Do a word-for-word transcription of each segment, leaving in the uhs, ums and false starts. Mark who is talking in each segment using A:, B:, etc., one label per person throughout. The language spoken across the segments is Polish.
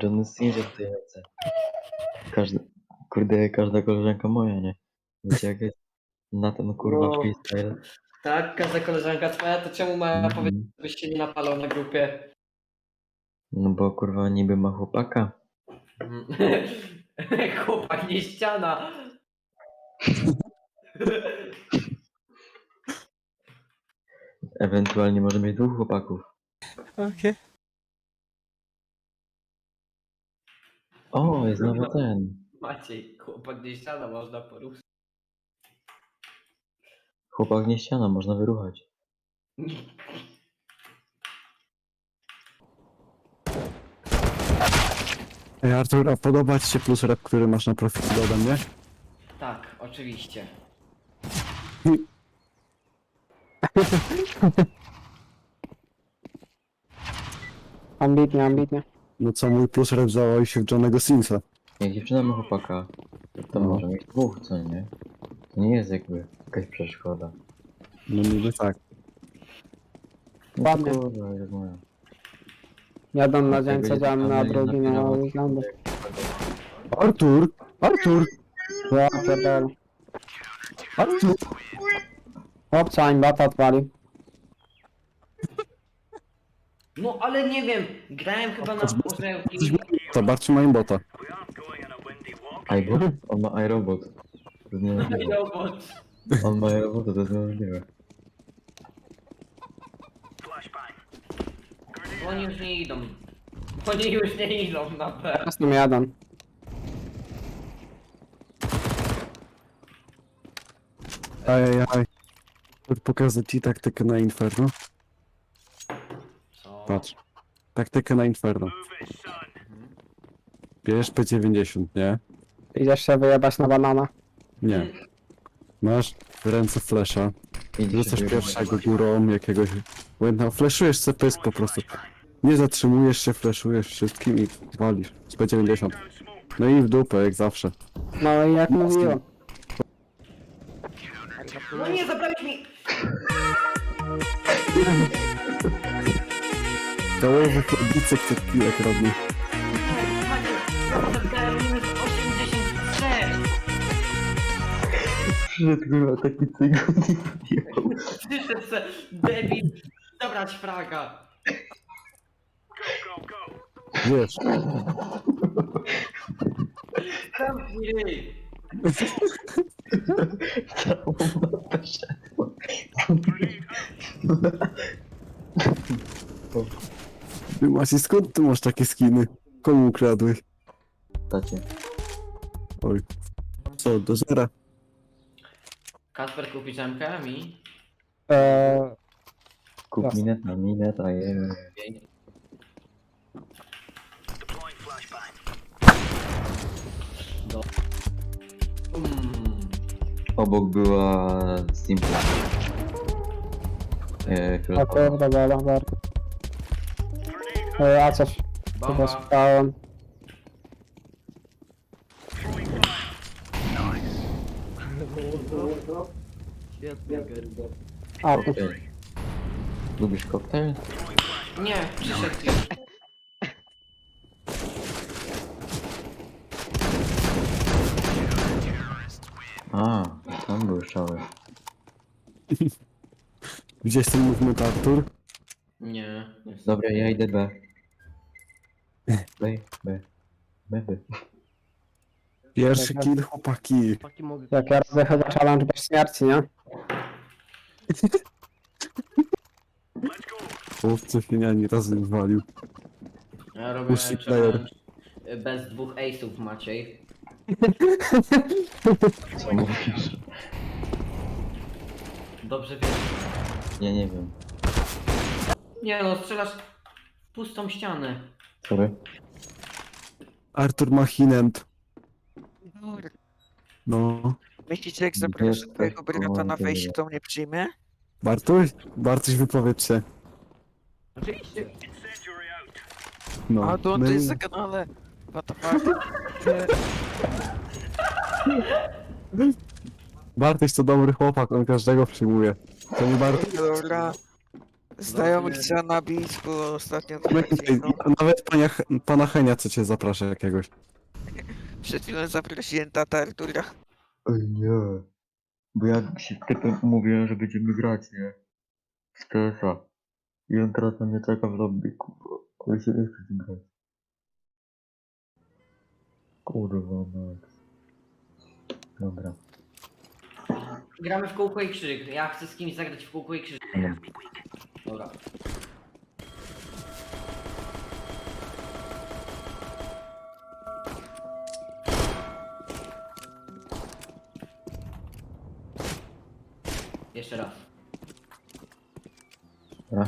A: Johnny Singer tutaj lecę. Każdy, kurde, każda koleżanka moja, nie? Wiecie jak jest? Na ten kurwa
B: No.
A: freestyle.
B: Tak, każda koleżanka twoja, to czemu ma
A: Mhm.
B: powiedzieć, żebyś się nie napalał na grupie?
A: No bo kurwa niby ma chłopaka.
B: Mm. Chłopak, nie ściana.
A: Ewentualnie może mieć dwóch chłopaków.
C: Okej.
A: O, jest nowy ten.
B: Maciej, chłopak, nie ściana, można poruszyć.
A: Chłopak nie ściana, można wyruchać.
C: Ej, Artur, a podoba ci się plus rep, który masz na profilu ode mnie?
B: Tak, oczywiście.
D: Ambitnie, ambitnie.
C: No co, mój plus rep założył się w Johnego Simsa.
A: Jak dziewczyna ma chłopaka, to
C: No.
A: może mieć dwóch, co nie? To nie jest jakby jakaś przeszkoda.
C: No niby tak.
A: No to
D: Ładnie.
A: kurwa, jak moja.
D: Jeden na dzień
A: Będzie
D: codzienny, a
A: tam
D: drugi
A: będzie
D: na
A: napirować.
D: weekendy.
C: Artur! Artur!
D: Ja pierdolę.
C: Artur!
D: Chłopca im bata odpalił.
B: No ale nie wiem, grałem chyba na orzełki.
C: To bardziej moim bota.
A: iBot? On ma iRobot. To jest niemożliwe.
B: Robot.
A: On ma iRobota, to jest niemożliwe.
B: Oni już nie idą. Oni już nie idą na P.
D: Teraz nam jeden.
C: Ajajaj. Pokażę ci taktykę na Inferno.
B: Co?
C: Patrz. Taktykę na Inferno. Bierz P dziewięćdziesiąt, nie?
D: Idziesz się wyjebać na banana.
C: Nie. Masz w ręce flesza.
A: Idzie
C: Rzucasz
A: się
C: pierwszego górą jakiegoś... Błędna, fleszujesz sobie pysk po prostu. Nie zatrzymujesz się, fleszujesz wszystkim i walisz. Z P dziewięćdziesiąt. No i w dupę, jak zawsze.
D: No i jak mówiłem.
B: No nie, zabrałeś mi!
C: Dołowy chłopicy przed piłek robi.
B: Maciej, zabrałem minus osiemdziesiąt sześć!
A: Przyszedł kurwa taki cygan i podjechał.
B: Przyszedł se, debil, zabrać fraga!
C: Wiesz,
B: Zamknij ryj!
A: Całą mapę szedł.
C: ty Maciej, skąd ty masz takie skiny? Komu ukradłeś?
A: Tacie.
C: Oj. Co, do zera?
B: Kasper, kupisz M K mi?
D: Eee,
A: Kup
D: Jasne.
A: mineta, mineta, je.
B: Do... Mm.
A: Obok była Simpla. Eee,
D: o
A: fioletowa.
D: kurde, dobra, bardzo. Eee, a coś chyba
B: Bomba.
D: słuchałem. A, tu.
A: Koktajl. Lubisz koktajl?
B: Nie, przyszedł już.
A: A, tam były szały.
C: Gdzie jest ten movement, Artur?
B: Nie.
A: Dobra, ja idę B. B, B. B, B.
C: Pierwszy kill, chłopaki.
D: Jak ja robię chyba challenge bez śmierci, nie?
C: Chłopcy się ani razu nie walił.
B: Ja robię
C: Pussy player.
B: challenge bez dwóch ace'ów, Maciej.
A: Co mówisz?
B: Dobrze wiem.
A: Ja nie wiem.
B: Nie no, strzelasz w pustą ścianę.
A: Sorry.
C: Artur ma hinent. No.
E: Myślicie, jak zaproszę
A: Jesteś
E: twojego brata na
A: komandą.
E: wejście, to mnie przyjmie?
C: Bartuś? Bartuś, wypowiedz się.
B: Oczywiście.
C: No.
E: A to on
C: my-
E: to jest na kanale. What the fuck?
C: Bartuś to dobry chłopak, on każdego przyjmuje. To nie Bartuś.
E: Dobra. Znajomych trzeba nabić, bo ostatnio to
C: My,
E: tak dziwno.
C: nawet pania, pana Henia co cię zaprasza jakiegoś.
E: Przed chwilą zaprosiłem tata Artura.
A: Ej, nie. Bo ja się z typem umówiłem, że będziemy grać, nie? W T S a. I on teraz na mnie czeka w lobby, kurwa. Ale się nie chce z nim grać. Kurwa, Max. Dobra.
B: Gramy w kółko i krzyk. Ja chcę z kimś zagrać w kółko i krzyk.
A: No.
B: Dobra. Jeszcze raz.
A: Dobra.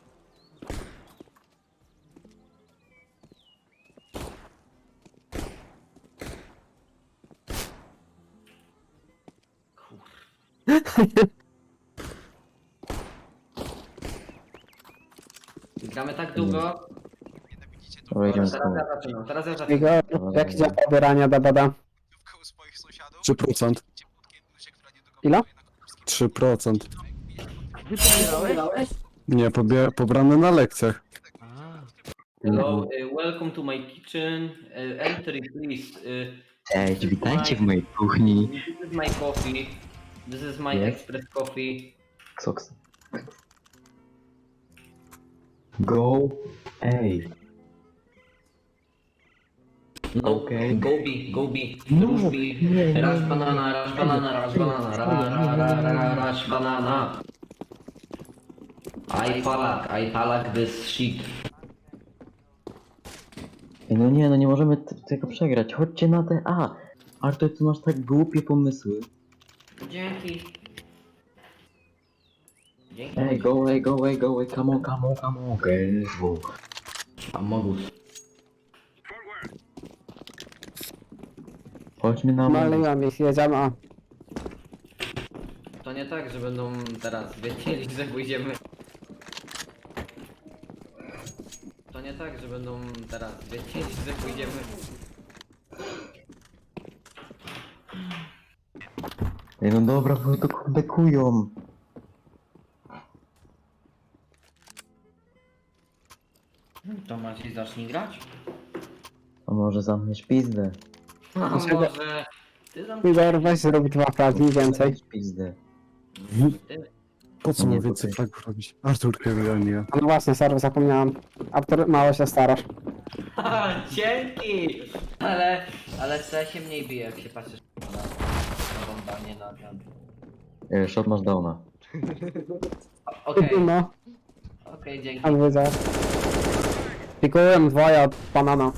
B: Gramy tak długo.
A: Dobra, idziemy
B: Teraz
A: z
B: ja zaczynam. Teraz ja zaczynam.
D: Igor, jak idzie pobieranie D B D?
C: trzy procent.
D: Ile?
C: trzy procent.
E: Wybierałeś?
C: Nie, pobie, pobrane na lekcjach.
B: Hello, y, welcome to my kitchen. Y, enter please. Y,
A: Cześć, witajcie w mojej kuchni.
B: This is my coffee. This is my
A: Yes.
B: express coffee.
A: Soks. Go. Ej.
B: No,
A: Okej.
B: go B, go B.
A: No,
B: Rush B.
A: nie, nie,
B: Rush
A: nie.
B: banana, rush banana, rush banana, ra, ra, ra, ra, rush banana. I palak, I palak this shit.
A: Ej, no nie, no nie możemy t- tego przegrać. Chodźcie na te A. Artur, ty masz tak głupie pomysły.
B: Dzięki. Dzięki.
A: Ej, go away, go away, go away, come on, come on, come on. Okej, okay,
B: Amogus.
A: chodźmy na Amogus.
D: Maliłem ich, jedziemy. A.
B: To nie tak, że będą teraz wiedzieli, że pójdziemy. To nie tak, że będą teraz wiedzieli, że pójdziemy.
A: Ej, no dobra, bo to kurde kują.
B: To Maciej zacznij grać?
A: A może zamkniesz pizdę?
B: A
D: Dlaczego?
B: może... Ty tam...
D: Igor, weź zrób dwa fragi więcej.
A: Zamknij pizdę.
B: Ty...
C: Po co
A: Nie,
C: mu więcej
A: to-
C: flagów robić? Artur kieruje, nie ja.
D: A no właśnie, sorry, zapomniałem. Artur, mało się starasz.
B: Ha, dzięki! Ale... Ale co się mniej bije, jak się patrzysz na... Na bomba, nie na... na...
A: Ej, shot masz downa.
B: Okej,
D: No,
B: okej, dzięki.
D: tam widzę. Pikułem dwoje od banana.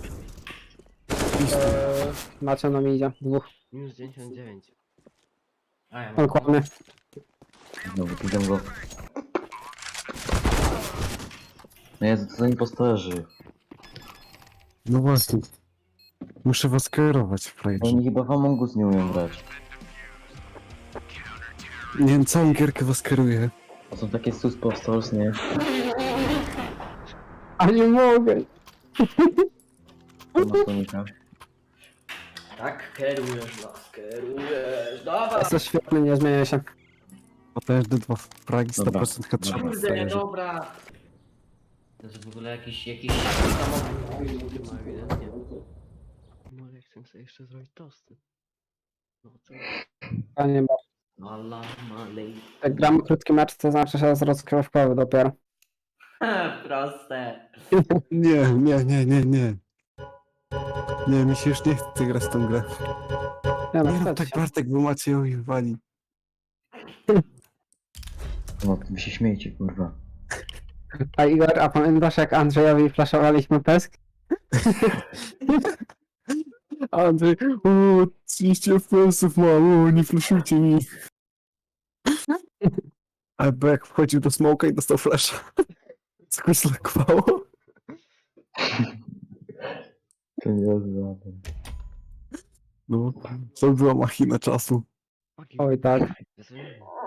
D: Eee, na czym nam idzie? Dwóch.
F: Minus dziewięćdziesiąt dziewięć.
B: A ja mam...
D: Dokładnie.
A: Znowu widzę go. No Jezu, to są impostorzy.
C: No właśnie. Muszę was kierować, frajerze.
A: Oni chyba w Among Us nie umieją grać.
C: Nie wiem, całą gierkę was kieruję.
A: To są takie sus posters, nie?
D: A nie mogę.
A: To ma Sonika.
B: Tak, kierujesz nas, kierujesz. Dawaj!
D: Jesteś świetny, nie zmienię się.
C: Potężne dwa fragi, sto
A: Dobra.
C: procent headshot.
B: Kurde,
C: frajerze.
B: dobra! To jest w ogóle jakiś, jakiś samochód.
F: No ewidentnie. Może chcę sobie jeszcze zrobić tosty. No co?
D: Panie, bo
B: Allah malej.
D: jak gramy krótki mecz, to znaczy, że jest rozkrywkowy dopiero.
B: Proste.
C: Nie, nie, nie, nie, nie. Nie, mi się już nie chce grać w tą grę.
D: Nie no,
C: Nie rób
D: wstać
C: tak,
D: się.
C: Bartek, bo Maciejowi wali.
A: No, wy się śmiejcie, kurwa.
D: A Igor, a pamiętasz jak Andrzejowi flaszowaliśmy pesk?
C: Andrzej, o, trzydzieści F P S-ów mam, o, nie flashujcie mi. Albo jak wchodził do smoka i dostał flasha. Coś zlakowało.
A: To nie rozumiem.
C: No, to była machina czasu.
F: Fucking-
D: Oj tak.
F: Ja sobie-